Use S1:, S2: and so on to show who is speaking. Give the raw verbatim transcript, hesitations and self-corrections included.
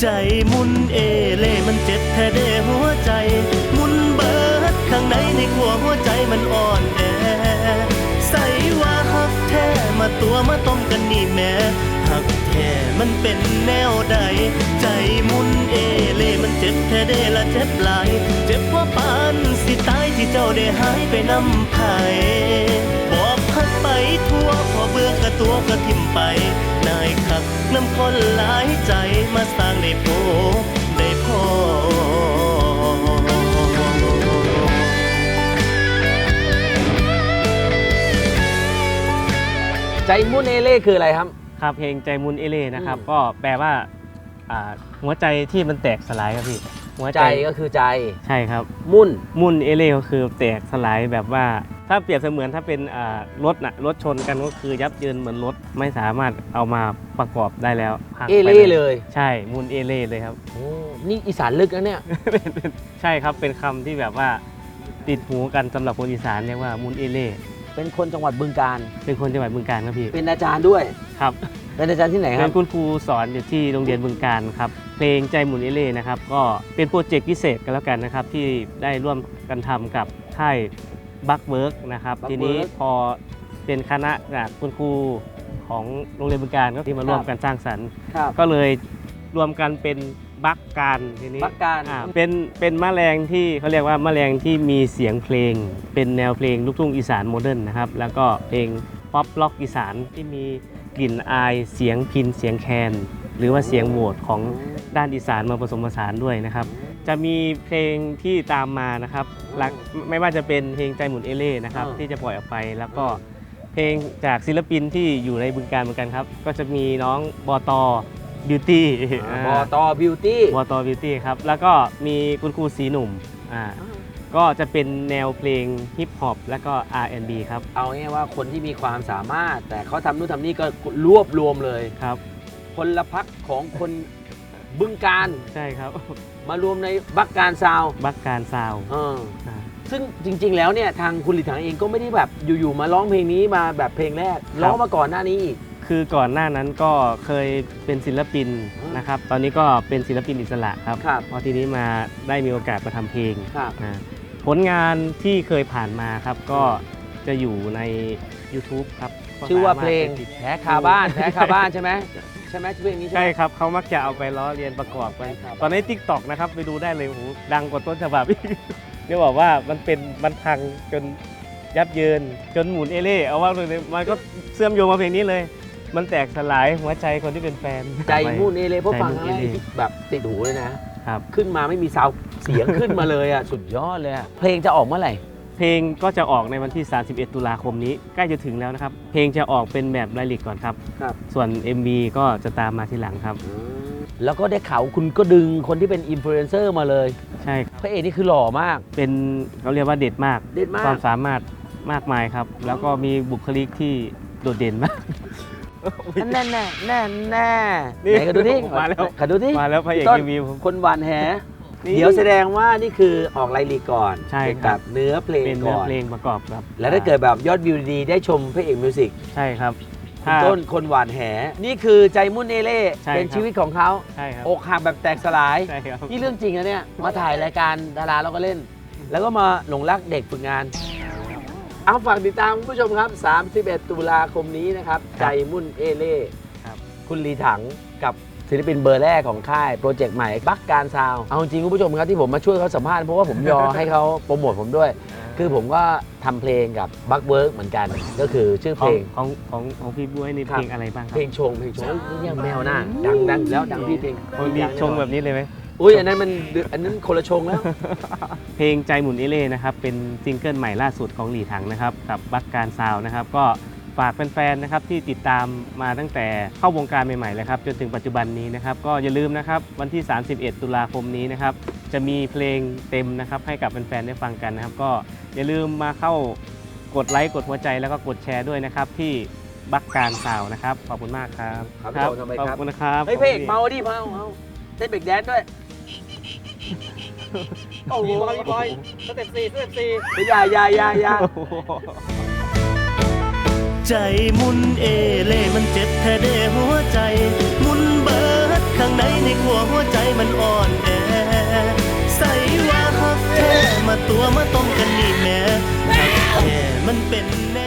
S1: ใจมุนเอเล่มันเจ็บแท้เด้หัวใจมุนเบิดข้างในในขั้วหัวใจมันอ่อนแอใส่ว่าหักแท้มาตัวมาต้มกันนี่แม่หักแท้มันเป็นแนวใดใจมุนเอเล่มันเจ็บแท้เด้ละเจ็บหลายเจ็บว่าปานสิตายที่เจ้าได้หายไปนำไผบอกพักไปทั่วพอเบื่อกระตัวก็ทิ่มไปนายขับน้ำคนหลายใจมาสร้างได้พบได้พอ
S2: ใจมุนเอเล่คืออะไรครับ
S3: ครับเพลงใจมุนเอเล่นะครับก็แปลว่าหัวใจที่มันแตกสลายครับพี่
S2: หัวใจก็คือใจ
S3: ใช่ครับ
S2: มุ่น
S3: มุ่นเอเล่ก็คือแตกสลายแบบว่าถ้าเปรียบเสมือนถ้าเป็นรถนะรถชนกันก็คือยับเยินเหมือนรถไม่สามารถเอามาประกอบได้แล้ว
S2: เอเล่เลย
S3: ใช่มุ่นเอเล่เลยครับ
S2: โอ้นี่อีสานลึกนะเนี่ย
S3: ใช่ครับเป็นคำที่แบบว่าติดหูกันสำหรับคนอีสานเรียกว่ามุ่นเอเล่
S2: เป็นคนจังหวัดบึงกาฬ
S3: เป็นคนจังหวัดบึงกาฬครับพี่
S2: เป็นอาจารย์ด้วย
S3: ครับ
S2: เป็นอาจารย์ที่ไหนครับ
S3: เป็นคุณครูสอนอยู่ที่โรงเรียนบึงกาฬครับเพลงใจหมุนเอเล่นะครับก็เป็นโปรเจกต์พิเศษกันแล้วกันนะครับที่ได้ร่วมกันทำกับค่ายบัคเวิร์กนะครับทีนี้พอเป็นคณะคุณครูของโรงเรียนบึงกาฬก็ที่มาร่วมกันสร้างสรรค์ก็เลยรวมกันเป็นบัคการทีนี้
S2: บัคการ
S3: เป็นเป็นแมลงที่เขาเรียกว่าแมลงที่มีเสียงเพลงเป็นแนวเพลงลูกทุ่งอีสานโมเดิร์นนะครับแล้วก็เพลงป๊อปล็อกอีสานที่มีกลิ่นอายเสียงพินเสียงแคนหรือว่าเสียงโหวตของด้านอีสานมาผสมผสานด้วยนะครับจะมีเพลงที่ตามมานะครับไม่ว่าจะเป็นเพลงใจหมุนเอเล่นะครับที่จะปล่อยออกไปแล้วก็เพลงจากศิลปินที่อยู่ในบึงกาฬเหมือนกันครับก็จะมีน้องบตบิวตี้
S2: บตบิวตี้
S3: บตบิวตี้ครับแล้วก็มีคุณครูสีหนุ่มอ่าก็จะเป็นแนวเพลงฮิปฮอปและก็ อาร์ แอนด์ บี ครับ
S2: เอาง่ายว่าคนที่มีความสามารถแต่เขาทำนู่นทำนี่ก็รวบรวมเลย
S3: ครับ
S2: พลพรรคของคนบึงกาฬ
S3: ใช่ครับ
S2: มารวมในบัคการซาว
S3: บัคการซาว
S2: เออซึ่งจริงๆแล้วเนี่ยทางคุณหลีถังเองก็ไม่ได้แบบอยู่ๆมาร้องเพลงนี้มาแบบเพลงแรกร้องมาก่อนหน้านี้อีก
S3: คือก่อนหน้านั้นก็เคยเป็นศิลปินนะครับตอนนี้ก็เป็นศิลปินอิสระครับพอทีนี้มาได้มีโอกาสมาทำเพลงผลงานที่เคยผ่านมาครับก็จะอยู่ใน YouTube ครับ
S2: ชื่อว่าเพลงแพ้คาบ้านแพ้คาบ้านใช่ไหมใช่ไหมชื่อเพลงนี้
S3: ใช่ครับเขามักจะเอาไปล้อเลียนประกอบกันตอนนี้ ติ๊กต็อก นะครับไปดูได้เลยโอ้โหดังกว่าต้นฉบับเรียกบอกว่ามันเป็นมันพังจนยับเยินจนหมุนเอเล่เอาว่าเลยมันก็เชื่อมโยงมาเพลงนี้เลยมันแตกสลายหัวใจคนที่เป็นแฟน
S2: ใจมุนเอเล่เพราะฟังอะไรแบบติดหูเลยนะครับขึ้นมาไม่มีซาวเสียงขึ้นมาเลยอ่ะสุดยอดเลยเพลงจะออกเมื่อไหร่
S3: เพลงก็จะออกในวันที่สามสิบเอ็ดตุลาคมนี้ใกล้จะถึงแล้วนะครับเพลงจะออกเป็นแบบไลลิกก่อนครับส่วน เอ็ม วี ก็จะตามมาทีหลังครับ
S2: แล้วก็ได้ข่าวคุณก็ดึงคนที่เป็นอินฟลูเอนเซอร์มาเลย
S3: ใช่
S2: พระเอกนี่คือหล่อมาก
S3: เป็นเขาเรียกว่าเด็ดมาก
S2: เด็ดมาก
S3: ความสามารถมากมายครับแล้วก็มีบุคลิกที่โดดเด่นมาก
S2: แน่แน่แน่แน่ไหนกันดูที่
S3: มาแล้ว
S2: กันดูที่
S3: มาแล้วพระเอกเอ็ม วี
S2: คนหวานแหเดี๋ยวแสดงว่านี่คือออกไลลิกก่อน
S3: ใช่ครับ
S2: เนื้อเพลงก่อน
S3: เป็นเนื้อเพลงประกอบครับ
S2: แล้วถ้าเกิดแบบยอดวิวดีได้ชมพระเอกมิวสิก
S3: ใช่ครับ
S2: ต้นคนหวานแหนี่คือใจมุ่นเอเล่เป็นชีวิตของเขาอกหักแบบแตกสลายนี่เรื่องจริงนะเนี่ยมาถ่ายรายการดาราเราก็เล่นแล้วก็มาหลงรักเด็กฝึกงานเอาฝากติดตามคุณผู้ชมครับสามสิบเอ็ดตุลาคมนี้นะครับใจมุ่นเอเล่คุณลีถังกับศิลปินเบอร์แรกของค่ายโปรเจกต์ใหม่บัคการซาวเอาจริงคุณผู้ชมครับที่ผมมาช่วยเขาสัมภาษณ์เพราะว่าผมยอให้เขาโปรโมทผมด้วยคือผมก็ทำเพลงกับบัคเวิร์กเหมือนกันก็คือชื่อเพลง
S3: ของของของพี่บ๊วยนี่เพลงอะไรบ้างครับ
S2: เพลงชงเพลงชงนี่ยังแมวหน้าดังดังแล้วดังพี่เพลง
S3: มีชงแบบนี้เลยไหม
S2: อุ้ยอันนั้นมันอันนั้นคนละชงแล้ว
S3: เพลงใจหมุนเอเล่นะครับเป็นซิงเกิลใหม่ล่าสุดของหลีถังนะครับกับบัคการซาวนะครับก็ฝากแฟนๆนะครับที่ติดตามมาตั้งแต่เข้าวงการใหม่ๆเลยครับจนถึงปัจจุบันนี้นะครับก็อย่าลืมนะครับวันที่สามสิบเอ็ดตุลาคมนี้นะครับจะมีเพลงเต็มนะครับให้กับแฟนๆได้ฟังกันนะครับก็อย่าลืมมาเข้ากดไลค์กดหัวใจแล้วก็กดแชร์ด้วยนะครับที่บัคการซาวนะครับขอบคุณมากครับ
S2: ครับข
S3: อบคุณนะครับ
S2: เฮ้ยเพลงเมาดิเมาเมาเต้นเบรกแดนซ์ด้วยโอ้โหพี่บอยสเต็ปสี่สเต็ปสี่ยายายายา
S1: ใจมุนเอเล่มันเจ็บแท้เด้หัวใจมุนเบิดข้างในในขั้วหัวใจมันอ่อนแอใส่ว่าฮักแท้มาตัวมาต้มกันนี่แม่ฮักแท้มันเป็นแน